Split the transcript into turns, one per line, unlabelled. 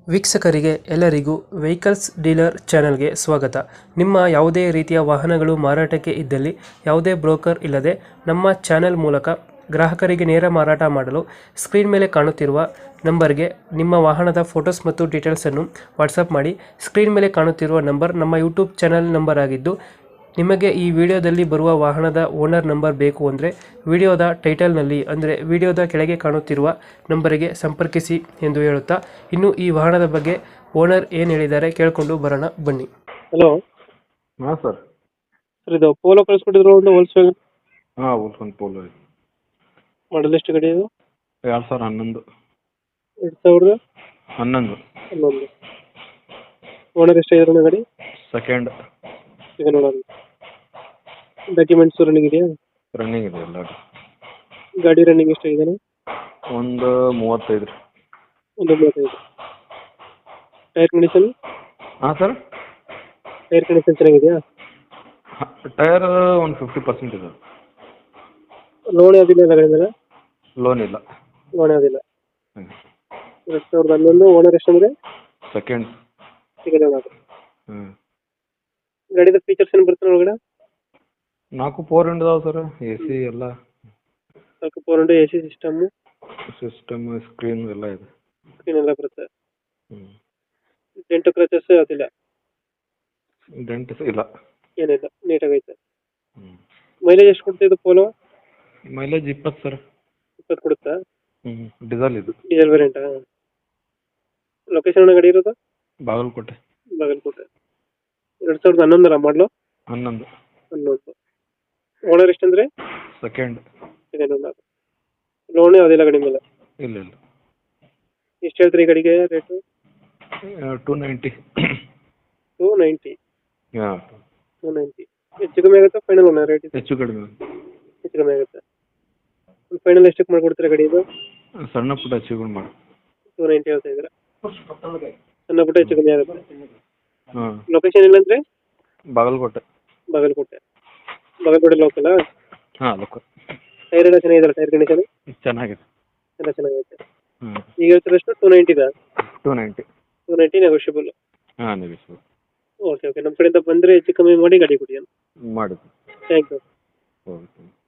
ವೀಕ್ಷಕರಿಗೆ ಎಲ್ಲರಿಗೂ vehicles dealer ಚಾನೆಲ್ಗೆ ಸ್ವಾಗತ. ನಿಮ್ಮ ಯಾವುದೇ ರೀತಿಯ ವಾಹನಗಳು ಮಾರಾಟಕ್ಕೆ ಇದ್ದಲ್ಲಿ ಯಾವುದೇ ಬ್ರೋಕರ್ ಇಲ್ಲದೆ ನಮ್ಮ ಚಾನೆಲ್ ಮೂಲಕ ಗ್ರಾಹಕರಿಗೆ ನೇರ ಮಾರಾಟ ಮಾಡಲು ಸ್ಕ್ರೀನ್ ಮೇಲೆ ಕಾಣುತ್ತಿರುವ ನಂಬರ್ಗೆ ನಿಮ್ಮ ವಾಹನದ ಫೋಟೋಸ್ ಮತ್ತು ಡೀಟೇಲ್ಸನ್ನು ವಾಟ್ಸಪ್ ಮಾಡಿ. ಸ್ಕ್ರೀನ್ ಮೇಲೆ ಕಾಣುತ್ತಿರುವ ನಂಬರ್ ನಮ್ಮ ಯೂಟ್ಯೂಬ್ ಚಾನೆಲ್ ನಂಬರ್ ಆಗಿದ್ದು, ನಿಮಗೆ ಈ ವಿಡಿಯೋದಲ್ಲಿ ಬರುವ ವಾಹನದ ಓನರ್ ನಂಬರ್ ಬೇಕು ಅಂದರೆ ವಿಡಿಯೋದ ಟೈಟಲ್ನಲ್ಲಿ ಅಂದರೆ ವಿಡಿಯೋದ ಕೆಳಗೆ ಕಾಣುತ್ತಿರುವ ನಂಬರಿಗೆ ಸಂಪರ್ಕಿಸಿ ಎಂದು ಹೇಳುತ್ತಾ, ಇನ್ನು ಈ ವಾಹನದ ಬಗ್ಗೆ ಓನರ್ ಏನು ಹೇಳಿದ್ದಾರೆ ಕೇಳಿಕೊಂಡು ಬರೋಣ ಬನ್ನಿ. ಹಲೋ
ಹಾಂ ಸರ್.
ಸರ್, ಇದು ಪೋಲೋ ಕಳಿಸ್ಕೊಟ್ಟಿದ್ರು ಒಂದು ಹೋಲ್ಸ್ವ್ಯಾಗನ್
ಹಾಂ ಒಂದು ಪೋಲೋ ಇದೆ.
ಮಾಡಲ್ ಎಷ್ಟು ಗಾಡಿ ಇದು?
2011.
2011. ಓನರ್ ಎಷ್ಟಾಗಿದ್ರು ಗಾಡಿ?
ಸೆಕೆಂಡ್.
ಈಗ ನೋಡೋಣ. ಡಾಕ್ಯುಮೆಂಟ್ಸ್ ರನ್ನಿಂಗ್ ಇದೆಯಾ?
ರನ್ನಿಂಗ್ ಇದೆ ಎಲ್ಲ.
ಗಾಡಿ ರನ್ನಿಂಗ್ ಎಷ್ಟಾಗಿದೆ?
ಒಂದು 35 ರೀ.
ಒಂದು 35. Tyre condition?
ಹಾಂ ಸರ್.
ಟೈರ್ ಕಂಡೀಷನ್ ಚೆನ್ನಾಗಿದೆಯಾ?
ಟೈರ್ ಒಂದು 50% ಇದೆ.
ಲೋನ್ ಯಾವುದಿಲ್ಲ ಎಲ್ಲ ಗಾಡಿ ಮೇಲೆ?
ಲೋನ್ ಇಲ್ಲ.
ಲೋನ್ ಯಾವುದಿಲ್ಲ.
ಹ್ಞೂ.
2011. ಓನರ್ ಎಷ್ಟಂದ್ರೆ?
ಸೆಕೆಂಡ್.
Second owner.
ಹ್ಞೂ.
ಗಾಡಿದ ಫೀಚರ್ಸ್ ಏನು ಬರ್ತದೆ ಒಳಗಡೆ?
4 4 ಇದಾವೆ ಸರ್. ಎ ಸಿ ಎಲ್ಲ.
4 AC ಸಿಸ್ಟಮ್
ಸ್ಕ್ರೀನ್ ಎಲ್ಲ ಇದೆ.
ಸ್ಕ್ರೀನ್ ಎಲ್ಲ ಬರುತ್ತೆ.
ಹ್ಞೂ.
ಡೆಂಟು ಕ್ರಚಸ್ ಯಾವುದಿಲ್ಲ?
ಡೆಂಟ್ ಇಲ್ಲ.
ಏನಿಲ್ಲ, ನೀಟಾಗೈತೆ.
ಹ್ಞೂ.
ಮೈಲೇಜ್ ಎಷ್ಟು ಕೊಡ್ತಾ ಇದು ಪೋಲೋ?
Mileage 20 sir.
20 ಕೊಡುತ್ತಾ?
ಹ್ಞೂ. ಡೀಸೆಲ್ ಇದು.
ಡೀಸೆಲ್ ವೇರಿಯಂಟಾ? ಲೊಕೇಶನ್ ಗಾಡಿ ಇರೋದು?
ಬಾಗಲಕೋಟೆ.
ಬಾಗಲಕೋಟೆ. 2011 ಮಾಡಲು?
11.
11. ಓನರ್ ಎಷ್ಟಂದ್ರೆ?
ಸೆಕೆಂಡ್.
Second owner. ಲೋನ್ ಯಾವುದಿಲ್ಲ ಗಾಡಿ ಮೇಲೆ?
ಇಲ್ಲ ಇಲ್ಲ.
ಎಷ್ಟು ಹೇಳ್ತೀರಿ ಈ ಗಾಡಿಗೆ ರೇಟು?
290.
290.
ಹಾಂ.
290. ಹೆಚ್ಚು ಕಮ್ಮಿ ಆಗುತ್ತಾ ಫೈನಲ್ ಓನರ್ ರೇಟ್?
ಹೆಚ್ಚು ಕಡಿಮೆ.
ಹೆಚ್ಚು ಕಮ್ಮಿ ಆಗುತ್ತೆ. ಫೈನಲ್ ಎಷ್ಟಕ್ಕೆ ಮಾಡ್ಕೊಡ್ತೀರಾ ಗಾಡಿ ಇದು?
ಸಣ್ಣ ಪುಟ್ಟ ಹೆಚ್ಚುಗಳು ಮಾಡಿ.
290 ಹೇಳ್ತಾ ಇದ್ದೀರಾ? ಸಣ್ಣ ಪುಟ್ಟ ಹೆಚ್ಚು ಕಮ್ಮಿ ಆಗುತ್ತೆ.
ಹಾಂ.
ಲೊಕೇಶನ್ ಇಲ್ಲಂದ್ರೆ?
ಬಾಗಲಕೋಟೆ.
ಬಾಗಲಕೋಟೆ. ಬಾಗಲಕೋಟೆ ಲೋಕಲ್?
ಹಾಂ ಲೋಕಲ್.
ಟೈರ್ ಎಲ್ಲ ಚೆನ್ನಾಗಿದೆಯಲ್ಲ? ಟೈರ್ ಕಂಡೀಷನ್
ಚೆನ್ನಾಗಿದೆ.
ಎಲ್ಲ ಚೆನ್ನಾಗೈತೆ.
ಹ್ಞೂ.
ಈಗ ಹೇಳ್ತಿರೋಷ್ಟು 290
290.
290 ನೆಗೋಷಿಯಬಲ್.
ಹಾಂ ನೆಗೆಶ್ವರ್.
ಓಕೆ ಓಕೆ, ನಮ್ಮ ಕಡೆಯಿಂದ ಬಂದರೆ ಹೆಚ್ಚು ಕಮ್ಮಿ ಮಾಡಿ ಗಾಡಿ ಕೊಡಿ.
ಮಾಡಿದ್ದು.
Thank you.
ಓಕೆ.